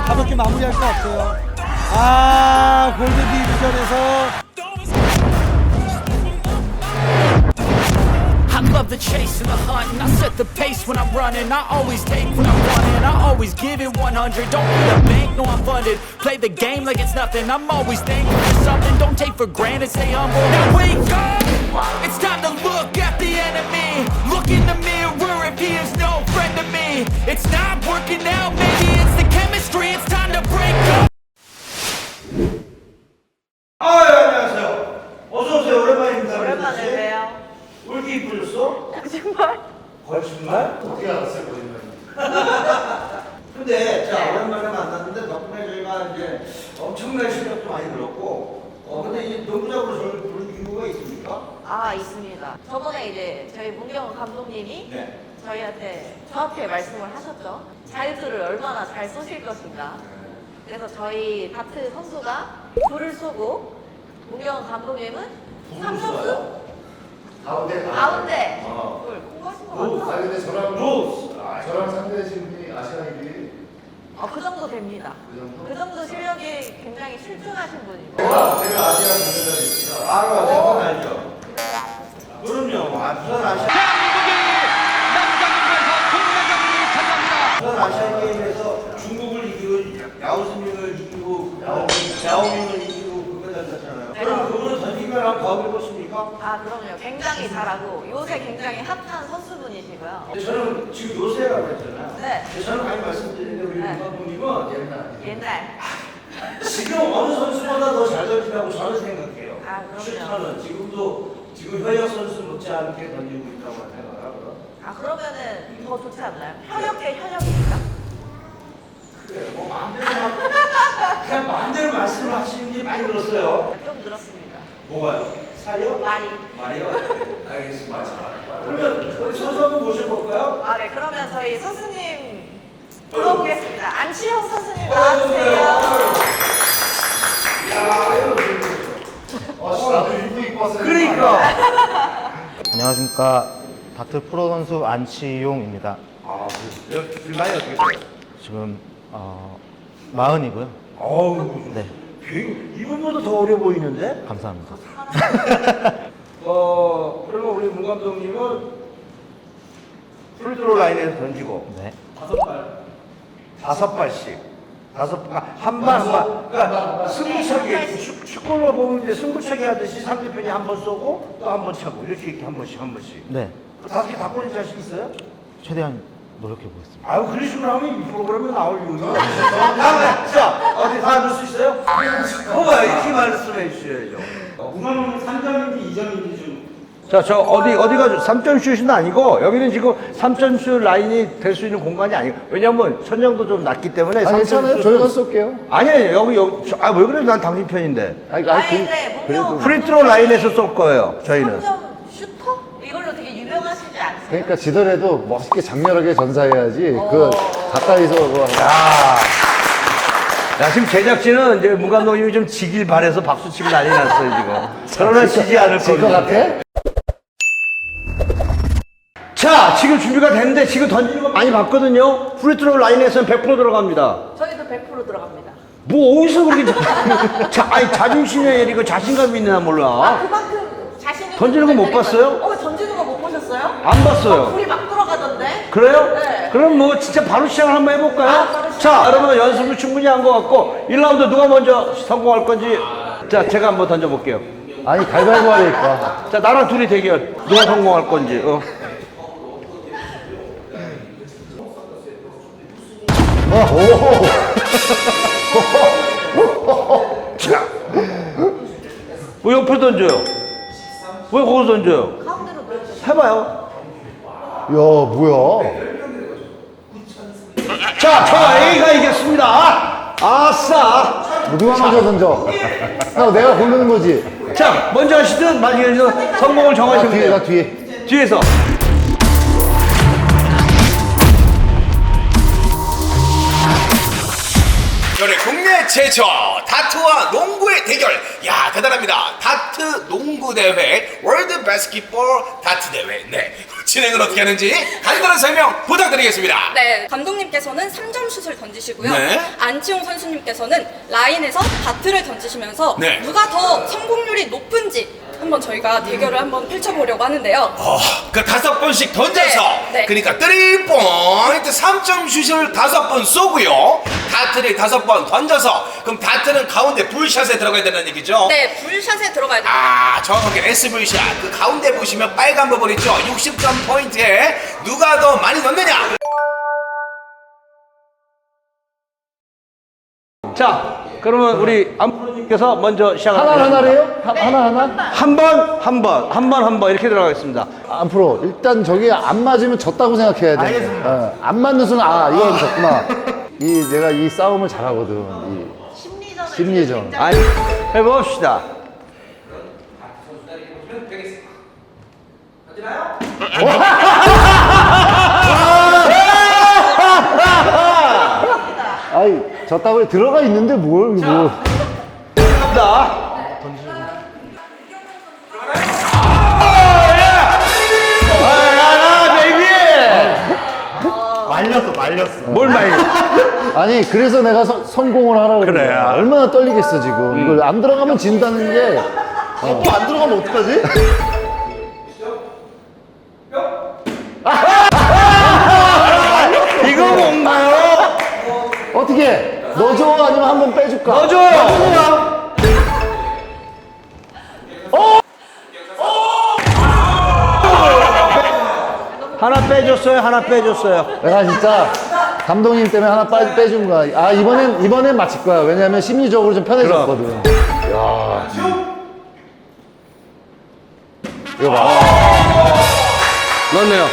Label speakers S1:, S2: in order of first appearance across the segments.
S1: 가볍게 마무리할 것 같아요. 골드 디비전에서
S2: I love the chase and the hunt, and I set the pace when I'm running. I always take what I want, and I always give it 100. Don't need a bank, no I'm funded. Play the game like it's nothing. I'm always thankful for something. Don't take for granted, stay humble. Now wake up! It's time to look at the enemy. Look in the mirror if he is no friend to me. It's not working out, maybe it's the chemistry. It's time to break up.
S1: 안녕하세요. 어서 오세요. 오랜만입니다.
S3: 오랜만에 봬요.
S1: 왜 이렇게 이쁘셨어?
S3: 거짓말?
S1: 거짓말?
S4: 어떻게 알았어요, 거짓말?
S1: 근데 자 오랜만에 만났는데 덕분에 저희가 이제 엄청난 실력도 많이 늘었고 근데 이 농구장으로 저를 부른 이유가 있습니까?
S3: 아, 있습니다. 저번에 이제 저희 문경원 감독님이
S1: 네.
S3: 저희한테 정확하게 말씀을 하셨죠. 자유투를 얼마나 잘 쏘실 것인가. 그래서 저희 다트 선수가 불을 쏘고 문경원 감독님은 삼성수 가운데 불 공부하신 거 맞죠?
S4: 아니 근데 저랑 상대하신 분이 아시아인들이
S3: 그 정도 됩니다. 그 정도 실력이 굉장히 출중하신 분이고.
S4: 제가 아시아 분들이 있습니다.
S1: 그건 알죠. 그럼요. 부산 아시안 게임에서 중국을 이기고 야오스밍을 이기고 야오밍을 이기고 그거 던졌잖아요. 그럼 그분은 던지기만 하면 더 해보십니까?
S3: 아, 그럼요. 굉장히 잘하고 요새 굉장히 핫한 선수분이시고요.
S1: 근데 저는 지금 요새라고 했잖아요.
S3: 네.
S1: 근데 저는 많이 말씀드리는데 우리
S3: 네.
S1: 감독님은
S3: 옛날.
S1: 지금 어느 선수보다 더 잘 던진다고 저는 생각해요.
S3: 아, 그럼요.
S1: 슈터는 지금 현역 선수 못지않게 던지고 있다고 생각하거든요.
S3: 아, 그러면은 더 좋지 않나요? 현역계 현역입니까?
S1: 그래, 뭐 그냥 마음대로 말씀을 하시는 게 많이 늘었어요.
S3: 좀 늘었습니다.
S1: 뭐가요? 살이요? 말이요? 알겠습니다. 그러면 우리 선수 한번 모셔볼까요?
S3: 아, 네. 그러면 저희 선수님 불러보겠습니다. 안치형 선수님 나와주세요.
S4: 나도 입고 왔어요.
S1: 그러니까.
S5: 안녕하십니까. 다트 프로 선수 안치용입니다.
S1: 나이 어떻게 돼요?
S5: 지금 40이고요.
S1: 어우,
S5: 네,
S1: 이분보다 더 어려 보이는데?
S5: 감사합니다.
S1: 그러면 우리 문 감독님은 프리드로 라인에서 던지고
S5: 네,
S1: 5발씩 한 발. 그러니까 승부차기 축구로 보면 이제 승부차기 하듯이 상대편이 한 번 쏘고 또 한 번 차고 이렇게 한 번씩.
S5: 네,
S1: 5개 다 꼬는 자신 있어요?
S5: 최대한 노력해 보겠습니다.
S1: 아유 그러시면 하면 이 프로그램에 나올 이유는 자 어디 다 넣을 수 있어요? 이렇게 말씀해 주셔야죠.
S6: 우선은 3점인지 2점인지 좀.
S1: 자, 저 어디가 3점 슛은 아니고 여기는 지금 3점 슛 라인이 될 수 있는 공간이 아니에요. 왜냐면 천장도 좀 낮기 때문에.
S4: 괜찮아요. 저희가 쏠게요.
S1: 아니에요. 왜 그래? 난 당신 편인데.
S3: 아니, 근데 문경
S1: 프리트로 라인에서 쏠 거예요. 저희는.
S3: 3점 슈터? 이걸로 되게 유명하시지 않으세요?
S4: 그러니까 지더라도 멋있게 장렬하게 전사해야지. 그 가까이서
S1: 야, 지금 제작진은 이제 문 감독님이 좀 지길 바래서 박수 치고 난리 났어요, 지금. 그러나 지지 않을
S4: 질것
S1: 겁니다.
S4: 같아?
S1: 자, 지금 준비가 됐는데 지금 던지는 거 많이 봤거든요. 프리트로 라인에서는 100% 들어갑니다.
S3: 저희도 100% 들어갑니다.
S1: 뭐 어디서 그렇게 자존심에 이거 자신감이 있나 몰라.
S3: 그만큼 자신 있는
S1: 던지는 거 못
S3: 분들이
S1: 봤어요?
S3: 많아요. 던지는 거 못 보셨어요?
S1: 안 봤어요.
S3: 불이 막 들어가던데?
S1: 그래요?
S3: 네.
S1: 그럼 뭐 진짜 바로 시작을 한번 해볼까요?
S3: 바로 시작.
S1: 자, 여러분 연습을 충분히 한 것 같고 1라운드 누가 먼저 성공할 건지 자, 제가 한번 던져볼게요.
S4: 아니, 가위바위보 하니까.
S1: 자, 나랑 둘이 대결. 누가 성공할 건지. 자, 왜 옆으로 던져요? 왜 거기서 던져요?
S3: 가운데로 넣어주세요.
S1: 해봐요.
S4: 야, 뭐야?
S1: 자, 저 A가 이겼습니다. 아싸.
S4: 누가 먼저 던져? 내가 고르는 거지.
S1: 자, 먼저 하시든 마지막에 하시든 성공을
S4: 나
S1: 정하시면
S4: 뒤에,
S1: 돼요.
S4: 나 뒤에.
S1: 뒤에서.
S2: 열의 국민
S7: 국내 최초 다트와 농구의 대결. 야, 대단합니다. 다트 농구 대회, 월드 바스켓볼 다트 대회. 네, 진행은 어떻게 하는지 간단한 설명 부탁드리겠습니다.
S8: 네, 감독님께서는 3점 슛을 던지시고요.
S7: 네.
S8: 안치홍 선수님께서는 라인에서 다트를 던지시면서
S7: 네.
S8: 누가 더 성공률이 높은지 한번 저희가 대결을 한번 펼쳐보려고 하는데요.
S7: 그 5번씩 던져서
S8: 네, 네.
S7: 그러니까 3포인트 3점 슛을 5번 쏘고요. 다트를 5번 던져서 그럼 다트는 가운데 불샷에 들어가야 되는 얘기죠?
S8: 네, 불샷에 들어가야 됩니다.
S7: 아, 정확하게 SV샷. 그 가운데 보시면 빨간 부분 있죠? 60점 포인트에 누가 더 많이 넣느냐?
S1: 자, 그러면 우리 안프로님께서 먼저 시작합니다.
S4: 하나래요? 하나?
S1: 한 번 이렇게 들어가겠습니다.
S4: 앞으로 일단 저기 안 맞으면 졌다고 생각해야 돼.
S1: 알겠습니다.
S4: 안 맞는 순간 이건 졌구나. 내가 이 싸움을 잘하거든. 이 심리전.
S1: 아니, 해봅시다.
S4: 아이 졌다고 들어가 있는데 뭘 뭐.
S1: 갑니다.
S5: 말렸어.
S1: 뭘 말려?
S4: 아니 그래서 내가 성공을 하라고
S1: 그래.
S4: 그래. 얼마나 떨리겠어 지금. 이걸 안 들어가면 진다는 게.
S5: 또 안 들어가면 어떡하지?
S1: 이거 뭔가요?
S4: 어떻게? 넣어줘 아니면 한번 빼줄까?
S1: 넣어줘요. 하나 빼줬어요.
S4: 내가 진짜 감독님 때문에 하나 빼준 거야. 이번엔 맞힐 거야. 왜냐면 심리적으로 좀 편해졌거든. 야. 이거 봐.
S1: 넣네요.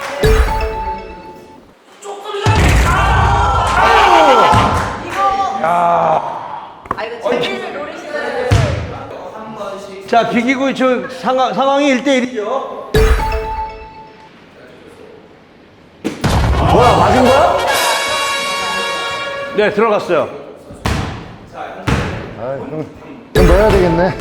S3: 아, 이거 재미를 노리시는.
S1: 자, 비기고 상황이 1대1이죠.
S4: 뭐야, 맞은 거야?
S1: 네, 들어갔어요.
S4: 그럼 넣어야 되겠네.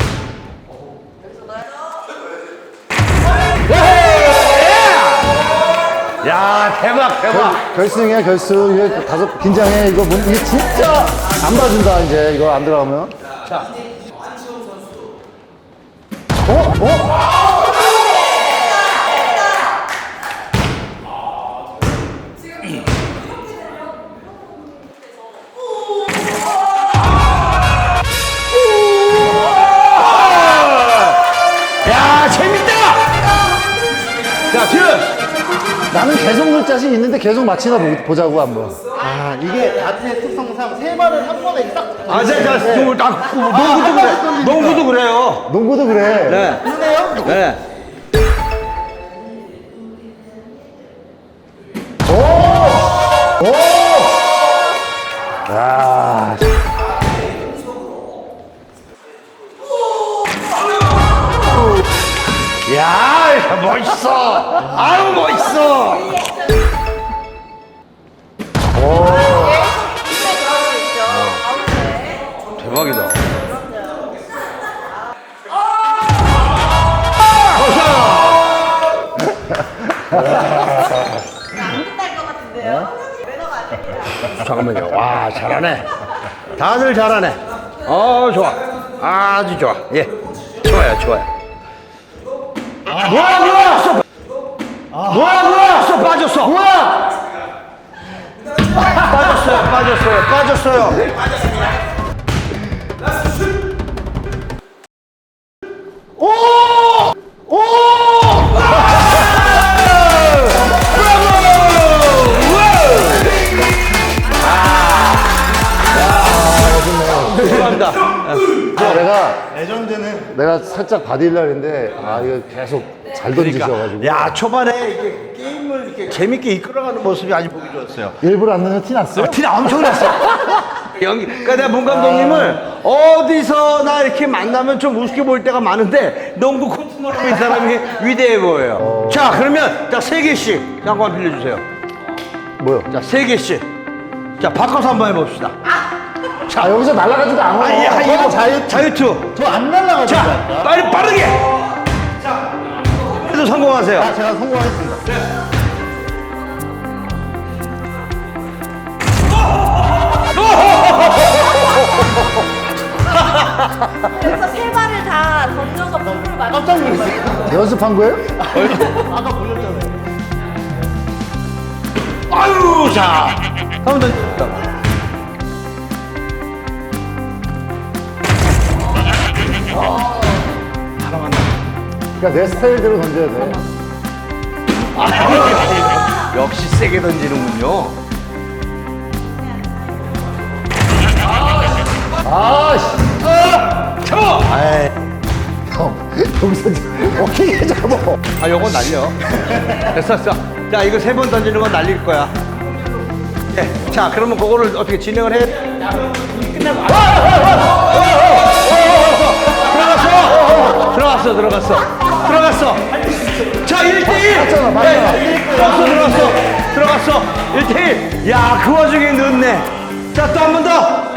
S1: 야, 대박.
S4: 결승이야, 결승. 이게 긴장해. 이게 진짜 안 봐준다, 이제. 이거 안 들어가면.
S1: 자. 야, 재밌다! 자, 지금!
S4: 나는 계속 넣을 자신 있는데 계속 맞히나 보자고, 한번.
S5: 아, 이게 다트의 특성상 세 발을 한 번에 딱.
S1: 아, 농구도 그래. 농구도 그래요.
S4: 농구도 그래.
S1: 네.
S5: 그러네요?
S1: 네.
S4: 야.
S1: 야, 멋있어. 아유, 멋있어. 대박이다.
S3: 끝날 것 같은데요? 매너가 안 됩니다.
S1: 잠깐만요. 와, 잘하네. 다들 잘하네. 좋아. 아주 좋아. 예. 좋아요. 뭐야! 빠졌어.
S4: 뭐야!
S1: 빠졌어요. 감사합니다.
S4: 내가 살짝 받으려 했는데, 이거 계속 잘 던지셔가지고.
S1: 야, 초반에 이게 게임을 이렇게 재밌게 이끌어가는 모습이 아주 보기 좋았어요.
S4: 일부러 안 넣는 티 났어요?
S1: 티가 엄청 났어. 그러니까 내가 문 감독님을 어디서나 이렇게 만나면 좀 우습게 보일 때가 많은데 농구 코트로 이 사람이 위대해 보여요. 자, 그러면 자, 3개씩 한번 빌려주세요.
S4: 뭐요?
S1: 자, 3개씩. 자, 바꿔서 한번 해봅시다.
S4: 아, 여기서 날아가지도 않아.
S1: 이거
S4: 자유투.
S1: 자유투.
S4: 저 안 날아가죠.
S1: 자, 빨리 빠르게. 자, 그래도 성공하세요.
S4: 아, 제가 성공하겠습니다.
S3: 그래서 세 발을 다 던져서 볼을 맞
S4: 깜짝 놀랐어요. 연습한 거예요?
S5: 아까 보셨잖아요.
S1: 아유, 자, 한번 더.
S4: 그러니까 내 스타일대로 던져야 돼.
S1: 역시 세게 던지는군요.
S4: 아, 씨.
S1: 쳐!
S4: 형, 여기서 어떻게 잡아?
S1: 아, 요건 날려. 됐어. 자, 이거 3번 던지는 건 날릴 거야. 네. 자, 그러면 그거를 어떻게 진행을 해? 끝나고. 들어갔어. 자, 1대1. 들어갔어. 1대1. 야, 그 와중에 넣네. 자, 또 한 번 더.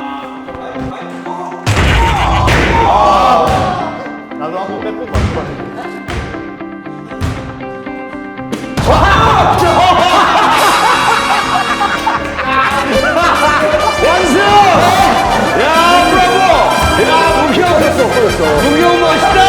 S5: 나도 한번 빼고 맞춰봤는데.
S1: 완승! 야, 브라보! 야, 문경 멋있다!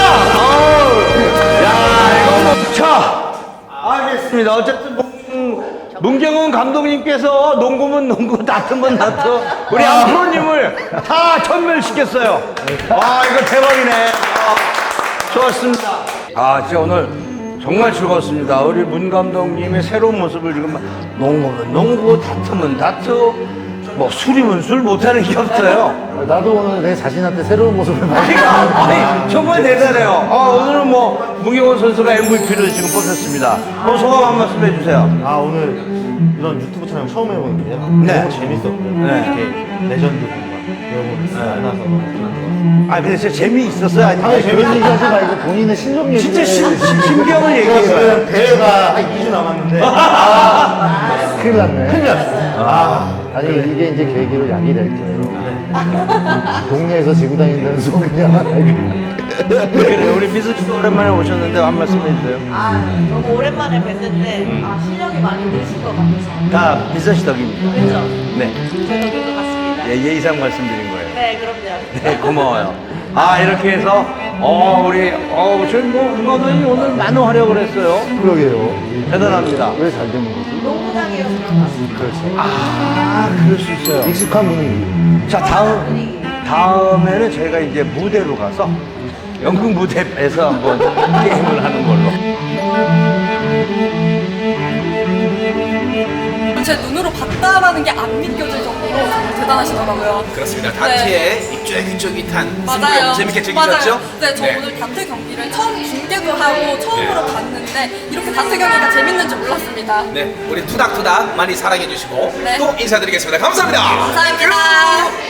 S1: 야, 이거 뭐. 자, 알겠습니다. 어쨌든, 문경은 감독님께서 농구면 농구, 다트면 다트, 우리 안프로님을 다 전멸시켰어요. 와, 이거 대박이네. 좋았습니다. 아, 진짜 오늘 정말 즐거웠습니다. 우리 문 감독님의 새로운 모습을 지금 농구면 농구, 다트면 다트, 뭐 술이면 술 못하는 게 없어요.
S4: 나도 오늘 내 자신한테 새로운 모습을 많이
S1: 아니, 정말 대단해요. 오늘은 뭐 문경원 선수가 MVP를 지금 뽑혔습니다. 소감 한 말씀 해주세요.
S5: 아 오늘 이런 유튜브 촬영 처음 해보는데요.
S1: 네.
S5: 너무 재밌었고요.
S1: 네.
S5: 이렇게 레전드 분과 여러분 만나서 너무 좋았어요.
S1: 아, 근데 진짜 재미있었어요?
S4: 아니,
S1: 아니,
S4: 재밌는 얘기 하지 말고 본인의 실력 얘기.
S1: 진짜 심경을 얘기해봐요.
S5: 지금 대회가 한 2주 남았는데
S4: 큰일 났네.
S5: 큰일 났어요.
S4: 아니, 이게 이제 계기로 약이 될 거예요. 동네에서 지고 다닌다는 소리야.
S1: 그래, 우리 미수 씨도 오랜만에 오셨는데 한 말씀 해주세요.
S3: 너무 오랜만에 뵀는데 실력이 많이 느신 것 같아서.
S1: 다 미수 씨 덕입니다.
S3: 그죠?
S1: 네.
S3: 제 덕인 것 같습니다.
S1: 예, 예의상 말씀드린 거예요.
S3: 네, 그럼요.
S1: 네, 고마워요. 이렇게 해서, 저희 문 감독님 오늘 많은 활약을 했어요.
S4: 그러게요.
S1: 대단합니다.
S4: 왜 잘 되는 거지?
S3: 농구장이어서 그런 것 같습니다.
S4: 그렇죠.
S1: 그럴 수 있어요.
S4: 익숙한 분위기.
S1: 자, 다음에는 저희가 이제 무대로 가서 연극 무대에서 한번 게임을 하는 걸로.
S8: 제 눈으로 봤다라는 게 안 믿겨질 정도로 정말 대단하시더라고요.
S7: 그렇습니다. 다트의 입쫄깃쫄깃한
S8: 맞아요.
S7: 승부 재밌게 즐기셨죠?
S8: 맞아요. 네, 저 오늘 다트 경기를 처음 중계도 하고 처음으로 봤는데 이렇게 다트 경기가 재밌는 줄 몰랐습니다.
S7: 네, 우리 투닥투닥 많이 사랑해 주시고
S8: 네.
S7: 또 인사드리겠습니다. 감사합니다.
S8: 감사합니다.